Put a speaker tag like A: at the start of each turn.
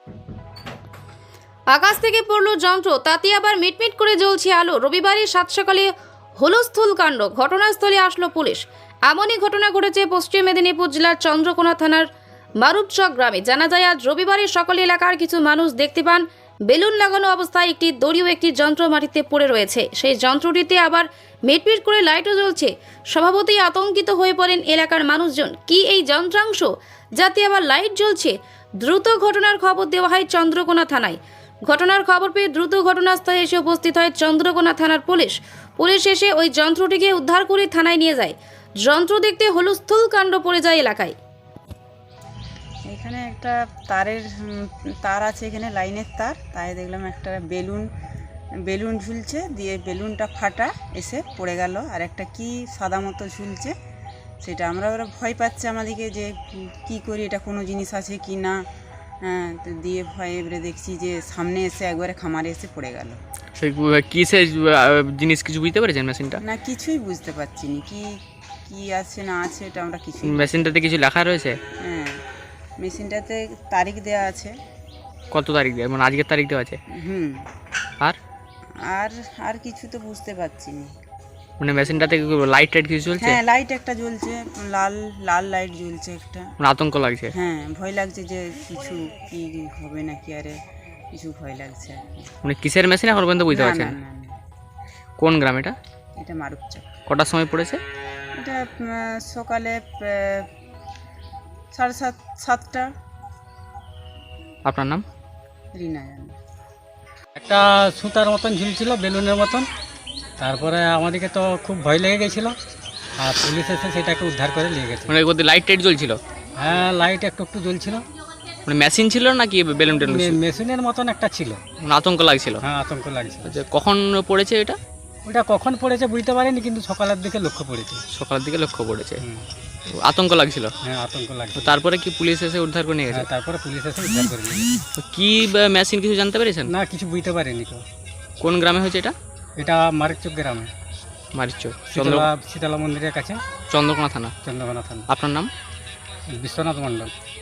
A: আকাশ থেকে পড়লো যন্ত্র, তাতে আবার মিটমিট করে জ্বলছে আলো। রবিবারের সাত সকালে হুলস্থুল কাণ্ড, ঘটনাস্থলে আসলো পুলিশ। এমনই ঘটনা ঘটেছে পশ্চিম মেদিনীপুর জেলার চন্দ্রকোনা থানার মারুপচক গ্রামে। জানা যায়, আজ রবিবারের সকালে এলাকার কিছু মানুষ দেখতে পান বেলুন লাগানো অবস্থায় একটি দড়ি ও একটি যন্ত্র মাটিতে পড়ে রয়েছে। সেই যন্ত্রটিতে আবার মিটমিট করে লাইটও জ্বলছে। স্বভাবতই আতঙ্কিত হয়ে পড়েন এলাকার মানুষজন। কি এই যন্ত্রাংশ, যাতে আবার লাইট জ্বলছে? দ্রুত ঘটনার খবর দেওয়া হয় চন্দ্রকোনা থানায়। ঘটনার খবর পেয়ে দ্রুত ঘটনাস্থলে এসে উপস্থিত হয় চন্দ্রকোনা থানার পুলিশ। পুলিশ এসে ওই যন্ত্রটিকে উদ্ধার করে থানায় নিয়ে যায়। যন্ত্র দেখতে হুলস্থুল কাণ্ড পড়ে যায় এলাকায়।
B: এখানে একটা তার আছে, এখানে লাইনের তার, তাই দেখলাম একটা বেলুন ঝুলছে, দিয়ে বেলুনটা ফাটা এসে পড়ে গেল। আর একটা কি সাদা মতো ঝুলছে, সেটা ওরা ভয় পাচ্ছে আমাদেরকে যে কি করি, এটা কোনো জিনিস আছে কি না। হ্যাঁ, তো দিয়ে ভয়ে এবারে দেখছি যে সামনে এসে একবারে খামারে এসে পড়ে গেল।
C: কিসের জিনিস কিছু বুঝতে পেরেছেন মেশিনটা?
B: না, কিছুই বুঝতে পারছি না কি আছে না আছে, এটা আমরা কিছুই।
C: মেশিনটাতে কিছু লেখা রয়েছে?
B: হ্যাঁ, মেশিনটাতে তারিখ দেওয়া আছে।
C: কত তারিখ দেওয়া, মানে আজকের তারিখ দেওয়া আছে? আর
B: আর আর কিছু তো বুঝতে পারছি না।
C: মানে মেশিনটাতে লাইট টাইট কিছু চলছে?
B: হ্যাঁ, লাইট একটা জ্বলছে, লাল লাল লাইট জ্বলছে একটা।
C: মানে আতঙ্ক লাগছে?
B: হ্যাঁ, ভয় লাগছে যে কিছু কি হবে নাকি, আরে কিছু ভয় লাগছে আর কি।
C: মানে কিসের মেশিন এখন পর্যন্ত বুঝতে
B: না,
C: পারছেন?
B: না, না, না,
C: কোন গ্রাম এটা?
B: এটা মারুপচক।
C: কটার সময় পড়েছে?
B: এটা সকালে 7:30।
C: আপনার নাম?
B: রিনা জানে।
D: একটা সুতার মতন ঝুলছিল, বেলুনের মতন। তারপরে আমাদেরকে তো খুব ভয় লেগে গেছিলো, আর পুলিশ এসে সেটাকে উদ্ধার করে নিয়ে গেছে।
C: মানে ওদের লাইট টাইট জ্বলছিল?
D: হ্যাঁ, লাইট একটু একটু জ্বলছিল।
C: মানে মেশিন ছিল নাকি বেলুন টেলুন?
D: মেশিনের মতন একটা ছিল।
C: মানে আতঙ্ক লাগছিল?
D: হ্যাঁ, আতঙ্ক লাগছিল।
C: আচ্ছা, কখন পড়েছে এটা?
D: ওটা কখন পড়েছে বুঝতে পারিনি, কিন্তু সকালের দিকে লক্ষ্য পড়েছে।
C: সকালের দিকে লক্ষ্য পড়েছে।
D: হুম।
C: আতঙ্ক লাগছিল?
D: হ্যাঁ, আতঙ্ক লাগছিল।
C: তো তারপরে কি পুলিশ এসে উদ্ধার করে নিয়ে গেছে?
D: হ্যাঁ, তারপরে পুলিশ এসে উদ্ধার করে নিয়ে গেছে।
C: তো কি মেশিন কিছু জানতে পেরেছেন?
D: না, কিছু বুঝতে পারিনি তো।
C: কোন গ্রামে হয়েছে এটা?
D: এটা মারিচক গ্রামে,
C: মারিচক,
D: শীতলা মন্দিরের কাছে,
C: চন্দ্রকোনা থানা।
D: চন্দ্রকোনা থানা।
C: আপনার নাম?
D: বিশ্বনাথ মণ্ডল।